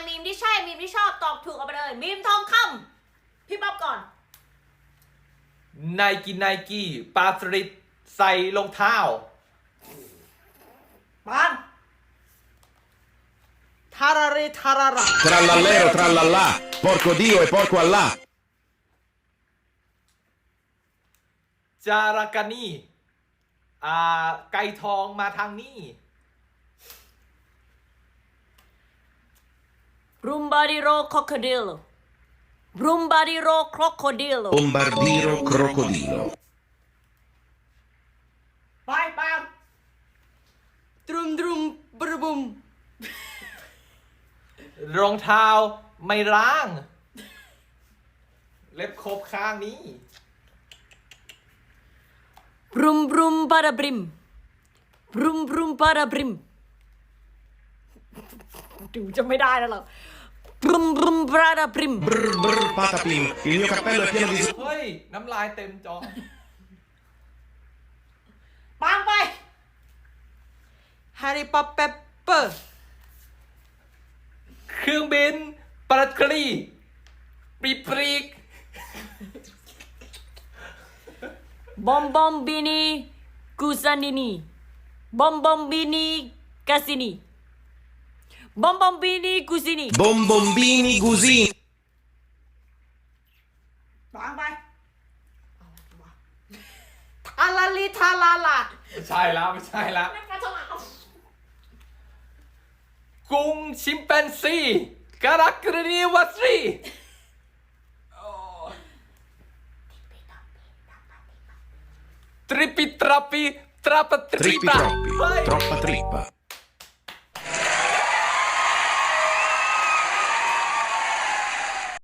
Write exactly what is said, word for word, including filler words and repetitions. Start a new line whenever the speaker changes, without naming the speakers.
มีมที่ใช่มีมที่ชอบตอบถูกเอาไปเลยมีมทองคำพี่ป๊อบก่อน
ไนกี้ไนกี้ปลาสลิดใส่รองเท้า
ปัง
ทาราเรทาราระ
Trallallero trallallà, porco Dio e porco Allah.
จารากานีอ่าไก่ทองมาทางนี้
รุมบาริโรคอคดิลรุมบาริโรครอคดิล
Bombardiro crocodilo.
ไปปัง
ตรุมตรุมบรบุม
รองเท้าไม่ล้าง เล็บครบข้างนี้
บรุมบรุมบาราบริมบรุมบรุมบาราบริมดูจะไม่ได้แล้วหรอบรุมบรุมบาราบริม
Brr brr patapim, il mio cappello è pieno di...
เฮ้ย น้ำลายเต็มจอ
ปังไป
แฮร์รี่ป๊อปเปเปอร์
เครื่องบินปรัดคลีปรีปรีก
บอมบอมบินีกูซานินีบอมบอมบินีกาซินีบอมบอมบินีกูซินี
Bombombini gusini.
ปังไปทาลาลิทาลาลา
ไม่ใช่แล้วไม่ใช่แล้ว กุ้งชิมแปนซีการักกรณีวัตรีทริปิตราปีตราปตริ
Trippi
ปา
troppi,
เฮ้ย
troppa trippa.